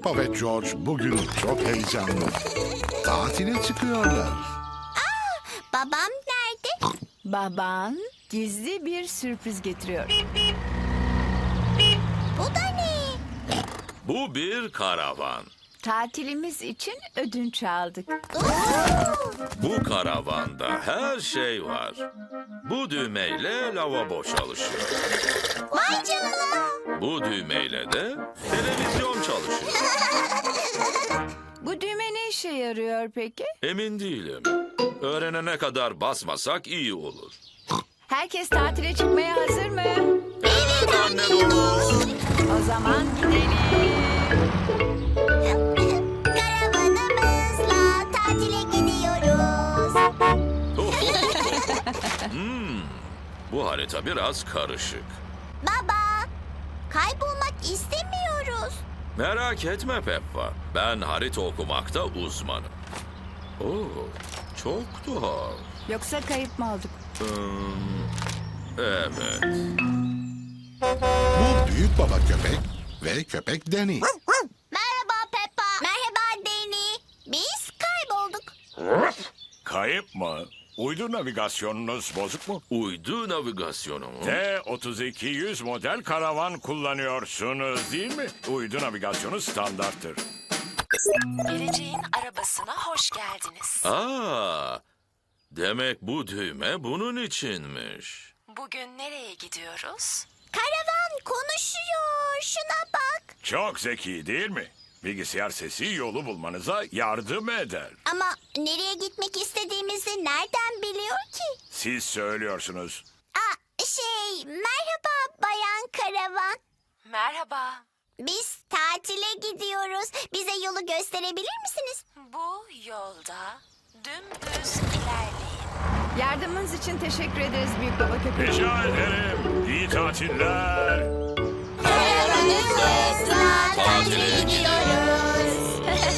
Peppa ve George bugün çok heyecanlı. Tatile çıkıyorlar. Babam nerede? Baban gizli bir sürpriz getiriyor. Bu da ne? Bu bir karavan. Tatilimiz için ödünç aldık. Bu karavanda her şey var. Bu düğmeyle lavabo çalışıyor. Vay canına. Bu düğmeyle de televizyon çalışıyor. Bu düğme ne işe yarıyor peki? Emin değilim. Öğrenene kadar basmasak iyi olur. Herkes tatile çıkmaya hazır mı? Evet anne domuz. O zaman gidelim. Karavanımızla tatile gidiyoruz. Bu harita biraz karışık. Baba, kaybolmak istemiyoruz. Merak etme Peppa. Ben harita okumakta uzmanım. Oo, çok tuhaf. Yoksa kayıp mı olduk? Evet. Bu büyük baba köpek ve köpek Danny. Merhaba Peppa. Merhaba Danny. Biz kaybolduk. Kayıp mı? Uydu navigasyonunuz bozuk mu? Uydu navigasyonu mu? T-3200 model karavan kullanıyorsunuz değil mi? Uydu navigasyonu standarttır. Geleceğin arabasına hoş geldiniz. Aa, demek bu düğme bunun içinmiş. Bugün nereye gidiyoruz? Karavan konuşuyor. Şuna bak. Çok zeki değil mi? Bilgisayar sesi yolu bulmanıza yardım eder. Ama nereye gitmek istediğimizi nereden biliyor ki? Siz söylüyorsunuz. Merhaba Bayan Karavan. Merhaba. Biz tatile gidiyoruz. Bize yolu gösterebilir misiniz? Bu yolda dümdüz ilerleyin. Yardımınız için teşekkür ederiz büyük baba köpek. Rica ederim. İyi tatiller. Karavanımızla tatile gidiyoruz.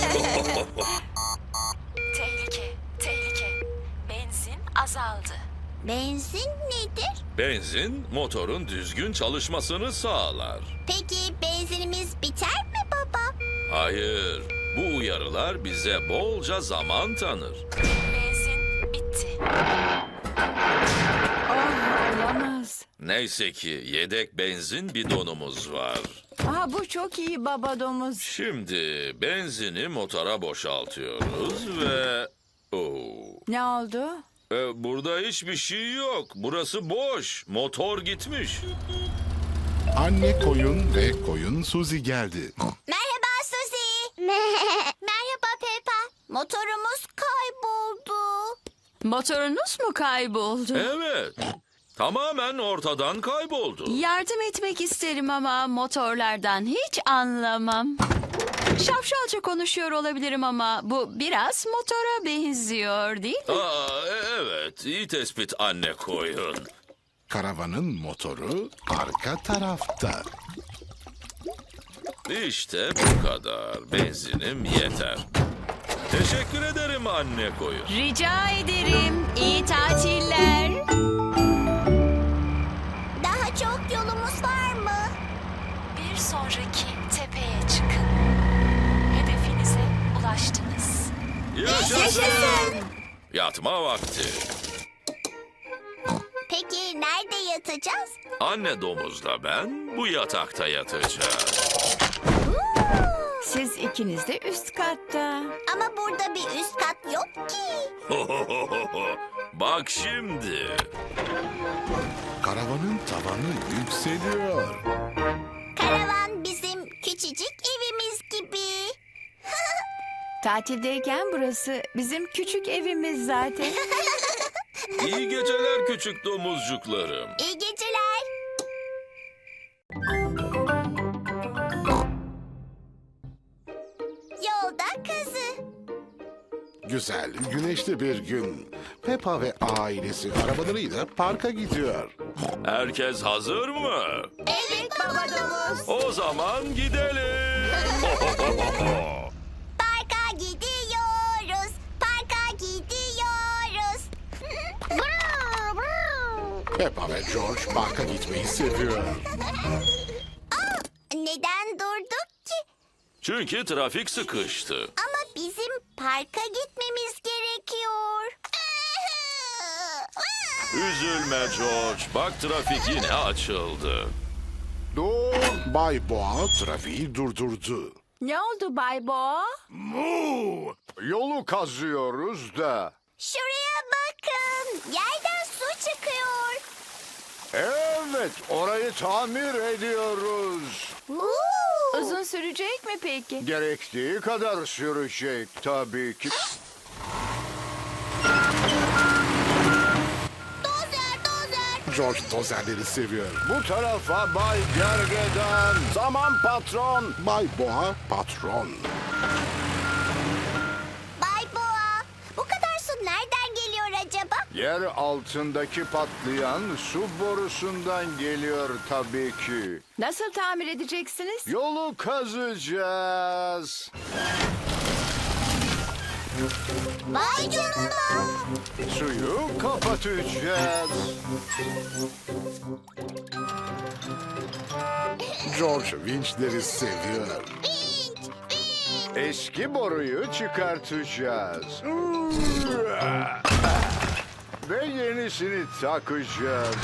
Tehlike, tehlike. Benzin azaldı. Benzin nedir? Benzin motorun düzgün çalışmasını sağlar. Peki benzinimiz biter mi baba? Hayır, bu uyarılar bize bolca zaman tanır. Benzin bitti. Oh, olamaz. Neyse ki yedek benzin bidonumuz var. Aa, bu çok iyi baba domuz. Şimdi benzini motora boşaltıyoruz ve... Oo. Ne oldu? Burada hiçbir şey yok. Burası boş. Motor gitmiş. Anne koyun ve koyun Suzy geldi. Merhaba Suzy. Merhaba Peppa. Motorumuz kayboldu. Motorunuz mu kayboldu? Evet. Tamamen ortadan kayboldu. Yardım etmek isterim ama motorlardan hiç anlamam. Şapşalca konuşuyor olabilirim ama bu biraz motora benziyor değil mi? Evet. İyi tespit anne koyun. Karavanın motoru arka tarafta. İşte bu kadar. Benzinim yeter. Teşekkür ederim anne koyun. Rica ederim. İyi tatiller. Daha çok yolumuz var mı? Bir sonraki tepeye çıkın. Hedefinize ulaştınız. Yaşasın. Yatma vakti. Peki nerede yatacağız? Anne domuzla ben bu yatakta yatacağız. Siz ikiniz de üst katta. Ama burada bir üst kat yok ki. Bak şimdi. Karavanın tavanı yükseliyor. Karavan bizim küçücük evimiz gibi. Tatildeyken burası bizim küçük evimiz zaten. İyi geceler küçük domuzcuklarım. İyi geceler. Yolda kızı. Güzel, güneşli bir gün. Peppa ve ailesi arabalarıyla parka gidiyor. Herkes hazır mı? Evet baba domuz. O zaman gidelim. Parka gidiyoruz. Parka gidiyoruz. Peppa ve George parka gitmeyi seviyor. Neden durduk ki? Çünkü trafik sıkıştı. Ama bizim parka gitmemiz gerekiyor. Üzülme George. Bak trafik yine açıldı. Dur. Bay Boğa trafiği durdurdu. Ne oldu Bay Boğa? Yolu kazıyoruz da. Şuraya bakın. Yerden su çıkıyor. Evet, orayı tamir ediyoruz. Uzun sürecek mi peki? Gerektiği kadar sürecek tabii ki. Dozer. George dozerleri seviyor. Bu tarafa Bay Gergedan. Zaman patron. Bay Boğa patron. Bay Boğa, bu kadar su nereden geliyor acaba? Yer altındaki patlayan su borusundan geliyor tabii ki. Nasıl tamir edeceksiniz? Yolu kazacağız. Vay canına. Suyu kapatacağız. George vinçleri seviyor. Eski boruyu çıkartacağız. Ve yenisini takacağız.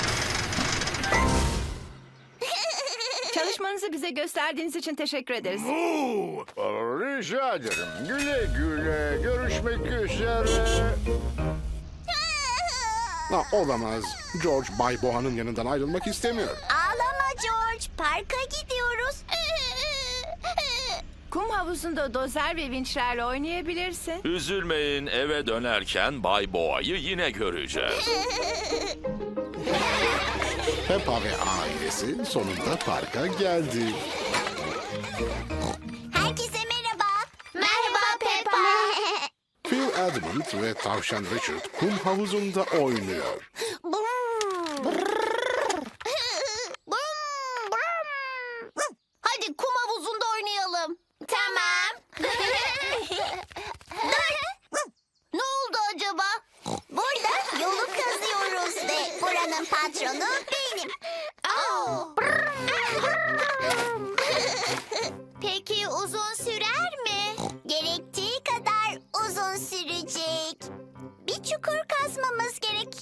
Çalışmanızı bize gösterdiğiniz için teşekkür ederiz. Rica ederim. Güle güle. Görüşmek üzere. Ha, olamaz. George Bay Boğa'nın yanından ayrılmak istemiyor. Ağlama George, parka gidiyoruz. Kum havuzunda dozer ve vinçlerle oynayabilirsin. Üzülmeyin, eve dönerken Bay Boğa'yı yine göreceğiz. Peppa ve ailesi sonunda parka geldi. Herkese merhaba. Merhaba Peppa. Phil Edmund ve tavşan Richard kum havuzunda oynuyor. Hadi kum havuzunda oynayalım. Tamam. Ne oldu acaba? Burada yolu kazıyoruz ve buranın patronu benim. Peki uzun sürer mi? Gerektiği kadar uzun sürecek. Bir çukur kazmamız gerek.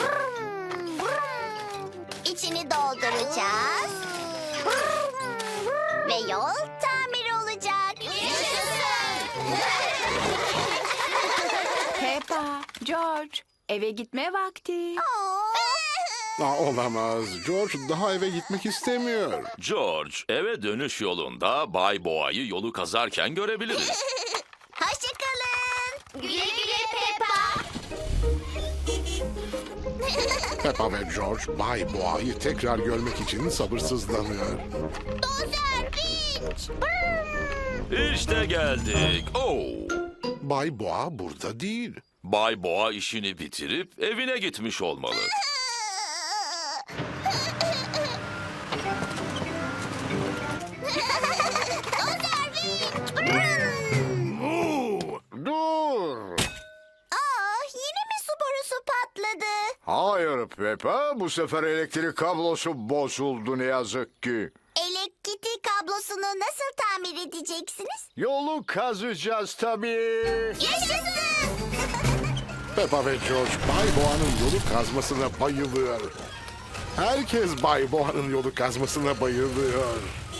İçini dolduracağız. Ve yol tamir olacak. Peppa, George, eve gitme vakti. Ha, olamaz. George daha eve gitmek istemiyor. George, eve dönüş yolunda Bay Boğa'yı yolu kazarken görebiliriz. Hoşçakalın. Güle güle Peppa. Peppa ve George Bay Boğa'yı tekrar görmek için sabırsızlanıyor. Dozer, vinç. İşte geldik. Oh! Bay Boğa burada değil. Bay Boğa işini bitirip evine gitmiş olmalı. Dur. Yine mi su borusu patladı? Hayır Peppa, bu sefer elektrik kablosu bozuldu ne yazık ki. Elektrik kablosunu nasıl tamir edeceksiniz? Yolu kazacağız tabii. Yaşasın! Peppa ve George Bay Boğa'nın yolu kazmasına bayılıyor. Herkes Bay Boğa'nın yolu kazmasına bayılıyor.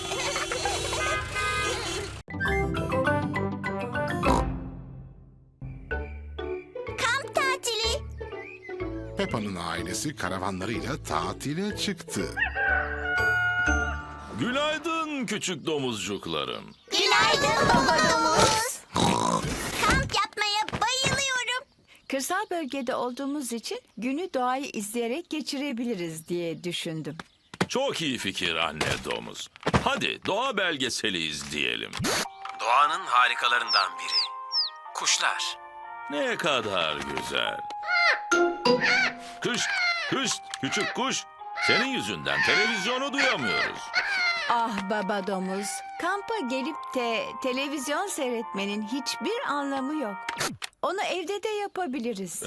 Kamp tatili. Peppa'nın ailesi karavanlarıyla tatile çıktı. Günaydın küçük domuzcuklarım. Günaydın baba domuz. Kamp yapmaya bayılıyorum. Kırsal bölgede olduğumuz için günü doğayı izleyerek geçirebiliriz diye düşündüm. Çok iyi fikir anne domuz. Hadi doğa belgeseli izleyelim. Doğanın harikalarından biri. Kuşlar. Ne kadar güzel. Kış, kış, küçük kuş. Senin yüzünden televizyonu duyamıyoruz. Ah baba domuz, kampa gelip de televizyon seyretmenin hiçbir anlamı yok. Onu evde de yapabiliriz.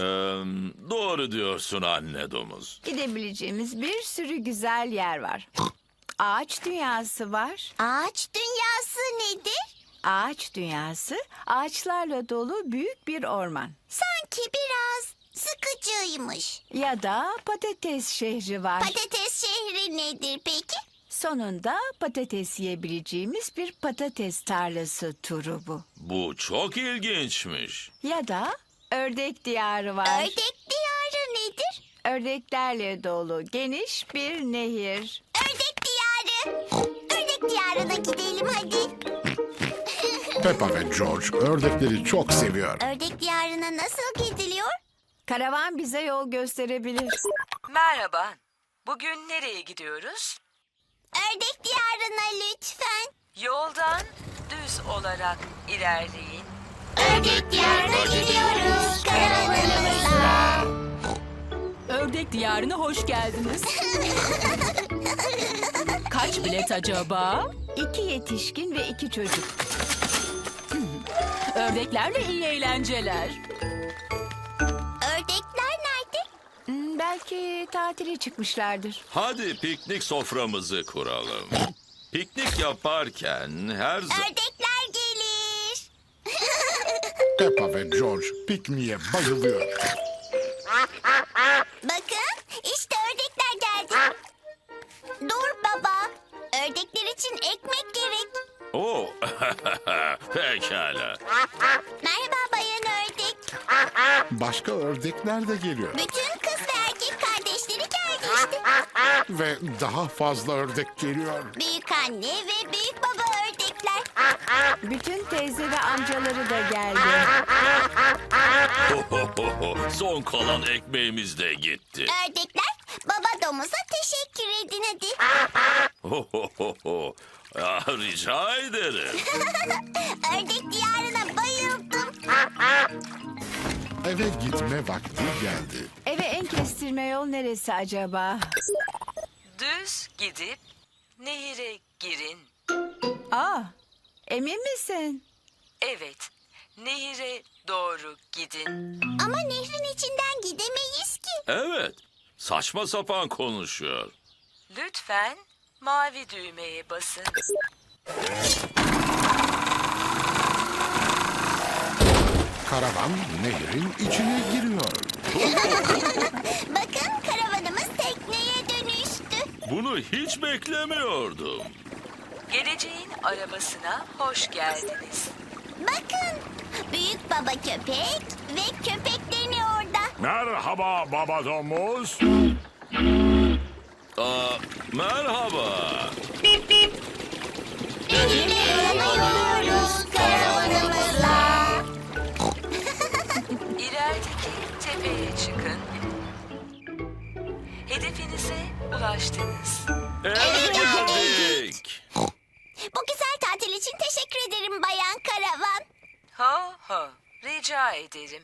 Doğru diyorsun anne domuz. Gidebileceğimiz bir sürü güzel yer var. Ağaç dünyası var. Ağaç dünyası nedir? Ağaç dünyası ağaçlarla dolu büyük bir orman. Sanki biraz sıkıcıymış. Ya da patates şehri var. Patates şehri nedir peki? Sonunda patates yiyebileceğimiz bir patates tarlası turu bu. Bu çok ilginçmiş. Ya da ördek diyarı var. Ördek diyarı nedir? Ördeklerle dolu geniş bir nehir. Ördek diyarı. Ördek diyarına gidelim hadi. Peppa ve George ördekleri çok seviyor. Ördek diyarına nasıl gidiliyor? Karavan bize yol gösterebilir. Merhaba. Bugün nereye gidiyoruz? Ördek diyarına lütfen. Yoldan düz olarak ilerleyin. Ördek diyarına gidiyoruz karavanımızla. Ördek diyarına hoş geldiniz. Kaç bilet acaba? 2 yetişkin ve 2 çocuk. Ördeklerle iyi eğlenceler. Ördekler nerede? Belki tatile çıkmışlardır. Hadi piknik soframızı kuralım. Piknik yaparken her zaman... Ördekler gelir. Peppa ve George pikniğe bayılıyor. Bakın işte ördekler geldi. Dur baba. Ördekler için ekmek gerek. Oo, pekala. Merhaba bayan ördek. Başka ördekler de geliyor. Bütün kız ve erkek kardeşleri geldi işte. Ve daha fazla ördek geliyor. Büyük anne ve büyük baba ördekler. Bütün teyze ve amcaları da geldi. Son kalan ekmeğimiz de gitti. Ördekler baba domuza teşekkür edin hadi. Rica ederim. Ördek diyarına bayıldım. Eve gitme vakti geldi. Eve en kestirme yol neresi acaba? Düz gidip nehire girin. Aa, emin misin? Evet, nehire doğru gidin. Ama nehrin içinden gidemeyiz ki. Evet, saçma sapan konuşuyor. Lütfen mavi düğmeye basın. Karavan nehrin içine giriyor. Bakın karavanımız tekneye dönüştü. Bunu hiç beklemiyordum. Geleceğin arabasına hoş geldiniz. Bakın büyük baba köpek ve köpeklerini orada. Merhaba baba domuz. Merhaba. Nehire yanıyoruz karavanımızla. İlerideki tepeye çıkın. Hedefinize ulaştınız. Eve geldik. Bu güzel tatil için teşekkür ederim bayan karavan. Ho ho, rica ederim.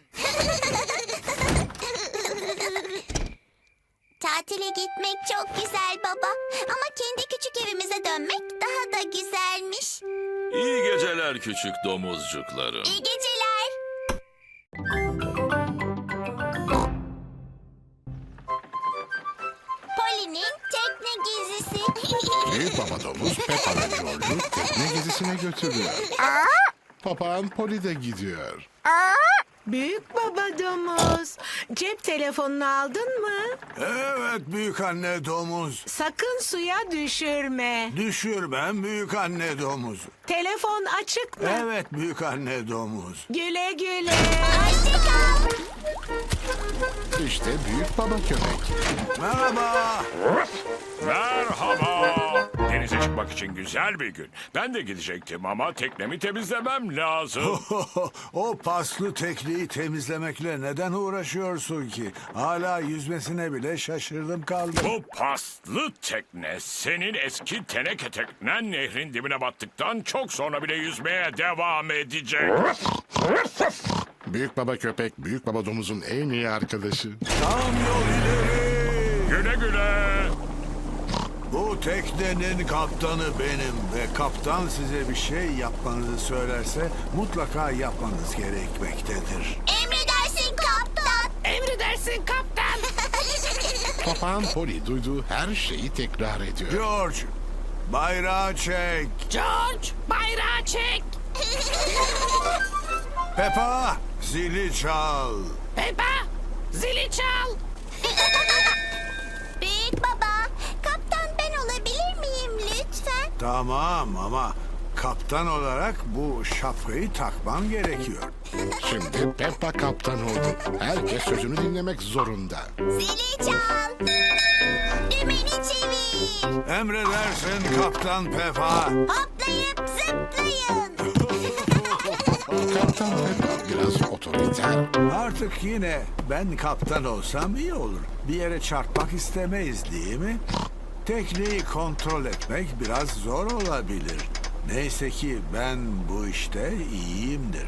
Tatile gitmek çok güzel baba. Ama kendi küçük evimize dönmek daha da güzelmiş. İyi geceler küçük domuzcuklarım. İyi geceler. Poli'nin tekne gezisi. Büyük baba domuz Peppa ve George'u tekne gezisine götürüyor. Papağan Poli de gidiyor. Büyük baba domuz. Cep telefonunu aldın mı? Evet büyük anne domuz. Sakın suya düşürme. Düşürmem büyük anne domuz. Telefon açık mı? Evet büyük anne domuz. Güle güle. Hoşçakal. İşte büyük baba köpek. Merhaba. Merhaba. Denize çıkmak için güzel bir gün. Ben de gidecektim ama teknemi temizlemem lazım. O paslı tekneyi temizlemekle neden uğraşıyorsun ki? Hala yüzmesine bile şaşırdım kaldım. Bu paslı tekne senin eski teneke teknen nehrin dibine battıktan çok sonra bile yüzmeye devam edecek. Büyük baba köpek büyük baba domuzun en iyi arkadaşı. Tam yol ileri. Güle güle. Bu teknenin kaptanı benim ve kaptan size bir şey yapmanızı söylerse mutlaka yapmanız gerekmektedir. Emredersin kaptan. Emredersin kaptan. Papağan Poli duyduğu her şeyi tekrar ediyor. George, bayrağı çek. George, bayrağı çek. Peppa, zili çal. Peppa, zili çal. Büyük baba, kaptan ben olabilir miyim lütfen? Tamam ama kaptan olarak bu şapkayı takman gerekiyor. Şimdi Peppa kaptan oldu. Herkes sözünü dinlemek zorunda. Zili çal. Dümeni çevir. Emredersin Kaptan Peppa. Hoplayıp zıplayın. Kaptan Peppa biraz otoriter. Artık yine ben kaptan olsam iyi olur. Bir yere çarpmak istemeyiz değil mi? Tekneyi kontrol etmek biraz zor olabilir. Neyse ki ben bu işte iyiyimdir.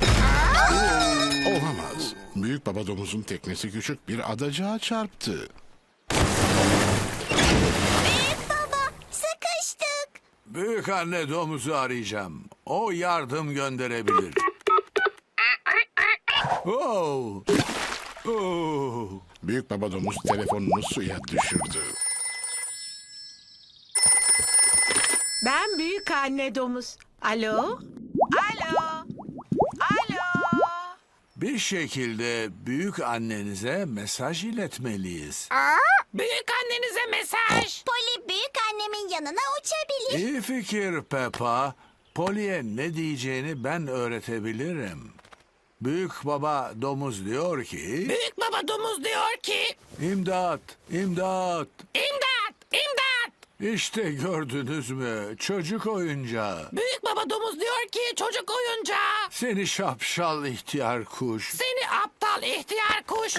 Olamaz. Büyük baba domuzun teknesi küçük bir adacığa çarptı. Büyük baba, sıkıştık. Büyük anne domuzu arayacağım. O yardım gönderebilir. Oh. Oh. Büyük baba domuz telefonunu suya düşürdü. Ben büyük anne domuz. Alo? Alo? Alo? Bir şekilde büyük annenize mesaj iletmeliyiz. Büyük annenize mesaj. Poli büyük annemin yanına uçabilir. İyi fikir Peppa. Polly'e ne diyeceğini ben öğretebilirim. Büyük baba domuz diyor ki... Büyük baba domuz diyor ki... İmdat, imdat. İmdat, imdat. İşte gördünüz mü? Çocuk oyuncağı. Büyük baba domuz diyor ki çocuk oyuncağı. Seni şapşal ihtiyar kuş. Seni aptal ihtiyar kuş.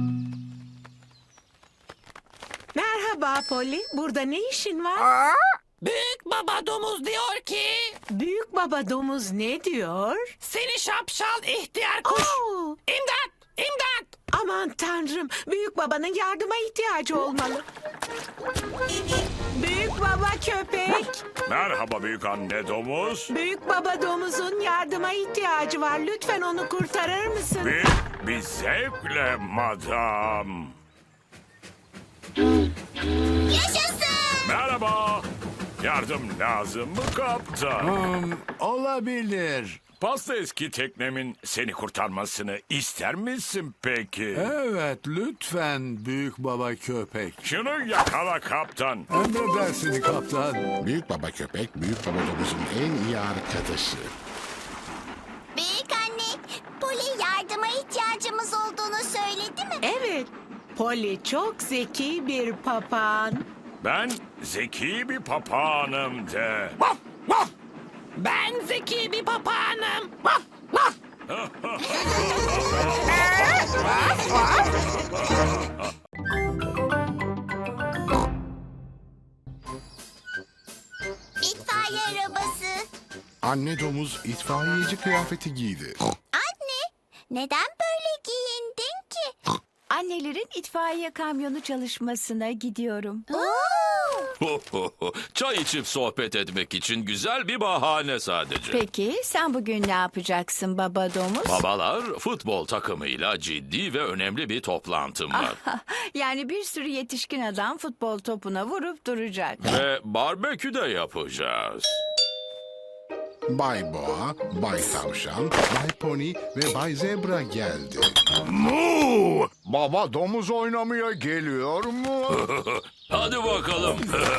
Merhaba Polly. Burada ne işin var? Büyük baba domuz diyor ki... Büyük baba domuz ne diyor? Seni şapşal ihtiyar kuş. İmdat! İmdat! Aman tanrım. Büyük babanın yardıma ihtiyacı olmalı. Büyük baba köpek. Merhaba büyük anne domuz. Büyük baba domuzun yardıma ihtiyacı var. Lütfen onu kurtarır mısın? Bir zevkle madam. Yaşasın. Merhaba. Yardım lazım mı kaptan? Olabilir. Pasta eski teknemin seni kurtarmasını ister misin peki? Evet, lütfen büyük baba köpek. Şunu yakala kaptan. Emredersin kaptan. Büyük baba köpek, büyük baba domuzun en iyi arkadaşı. Büyük anne, Poli yardıma ihtiyacımız olduğunu söyledi mi? Evet. Polly çok zeki bir papağan. Ben zeki bir papağanım de. Ben zeki bir papağanım. İtfaiye arabası. Anne domuz itfaiyeci kıyafeti giydi. Anne, neden böyle giyindin ki? Annelerin itfaiye kamyonu çalışmasına gidiyorum. Çay içip sohbet etmek için güzel bir bahane sadece. Peki sen bugün ne yapacaksın baba domuz? Babalar futbol takımıyla ciddi ve önemli bir toplantım var. Yani bir sürü yetişkin adam futbol topuna vurup duracak. Ve barbekü de yapacağız. Bay Boğa, Bay Tavşan, Bay Pony ve Bay Zebra geldi. Baba domuz oynamaya geliyor mu? Hadi bakalım.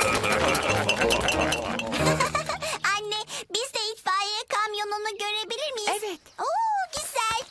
Anne, biz de itfaiye kamyonunu görebilir miyiz? Evet. Oo, güzel.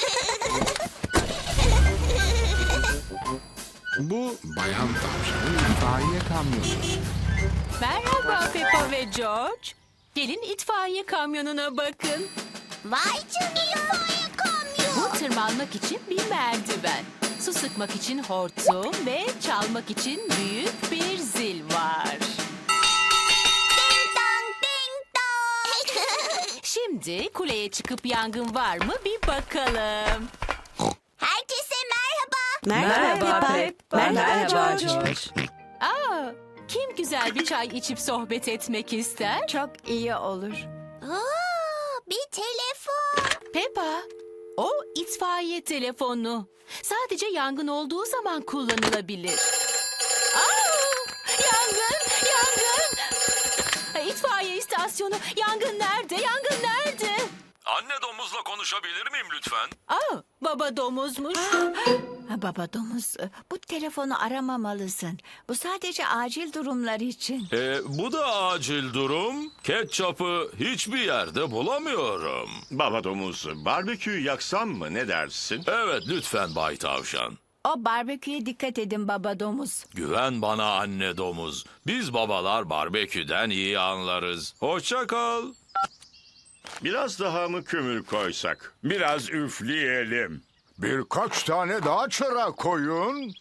Bu Bayan Tavşan'ın itfaiye kamyonu. Merhaba Peppa ve George. Gelin itfaiye kamyonuna bakın. Vay canına. İtfaiye kamyon. Bu tırmanmak için bir merdiven. Su sıkmak için hortum ve çalmak için büyük bir zil var. Ding dong, ding dong. Şimdi kuleye çıkıp yangın var mı bir bakalım. Herkese merhaba. Merhaba Pep. Merhaba George. Aa, kim güzel bir çay içip sohbet etmek ister? Çok iyi olur. Oo, bir telefon. Peppa, o itfaiye telefonu. Sadece yangın olduğu zaman kullanılabilir. Aa, yangın, yangın. istasyonu. Yangın nerede? Yangın nerede? Anne domuzla konuşabilir miyim lütfen? Baba domuzmuş. Baba domuz, bu telefonu aramamalısın. Bu sadece acil durumlar için. Bu da acil durum. Ketçapı hiçbir yerde bulamıyorum. Baba domuz, barbeküyü yaksam mı, ne dersin? Evet lütfen Bay Tavşan. O barbeküye dikkat edin baba domuz. Güven bana anne domuz. Biz babalar barbeküden iyi anlarız. Hoşça kal. Biraz daha mı kömür koysak? Biraz üfleyelim. Birkaç tane daha çıra koyun.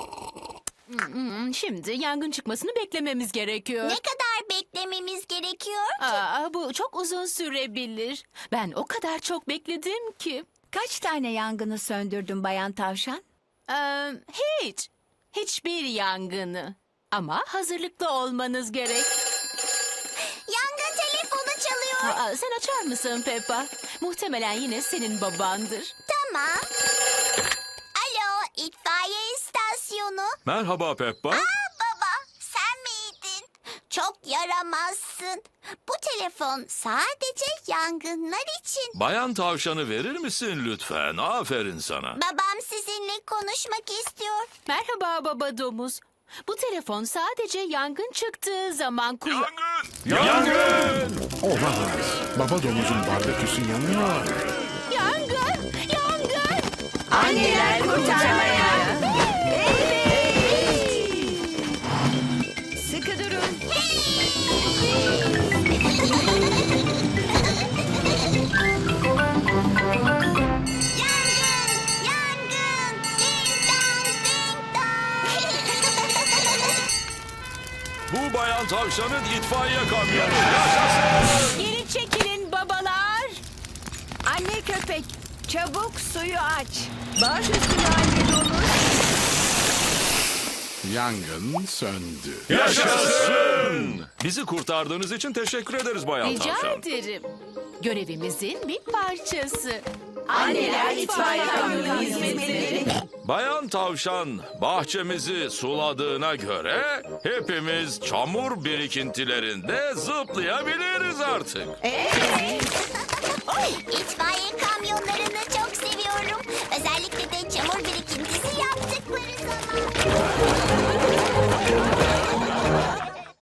Şimdi yangın çıkmasını beklememiz gerekiyor. Ne kadar beklememiz gerekiyor? Bu çok uzun sürebilir. Ben o kadar çok bekledim ki. Kaç tane yangını söndürdün Bayan Tavşan? Hiç. Hiçbir yangını. Ama hazırlıklı olmanız gerek. Yangın telefonu çalıyor. Sen açar mısın Peppa? Muhtemelen yine senin babandır. Tamam. Alo, itfaiye istasyonu. Merhaba Peppa. Baba, sen miydin? Çok yaramazsın. Bu telefon sadece yangınlar için. Bayan Tavşan'ı verir misin lütfen? Aferin sana. Babam sizinle konuşmak istiyor. Merhaba baba domuz. Bu telefon sadece yangın çıktığı zaman Yangın! Olamaz. Baba domuzun barbeküsü yanıyor. Yangın! Yangın! Anneler kurtarmaya. Evet. Sıkı durun. Yangın! Yangın! Ding dong, ding dong. Bu Bayan Tavşan'ın itfaiye kamyonu. Yaşasın! Geri çekilin babalar. Anne köpek, çabuk suyu aç. Baş üstüne anne domuz. Yangın söndü. Yaşasın! Bizi kurtardığınız için teşekkür ederiz Bayan Rica Tavşan. ederim. Görevimizin bir parçası. Anneler itfaiye kamyonu hizmetleri. Bayan Tavşan bahçemizi suladığına göre hepimiz çamur birikintilerinde zıplayabiliriz artık. İtfaiye kamyonlarını çok seviyorum. Özellikle de çamur birikintisi yaptıkları zaman.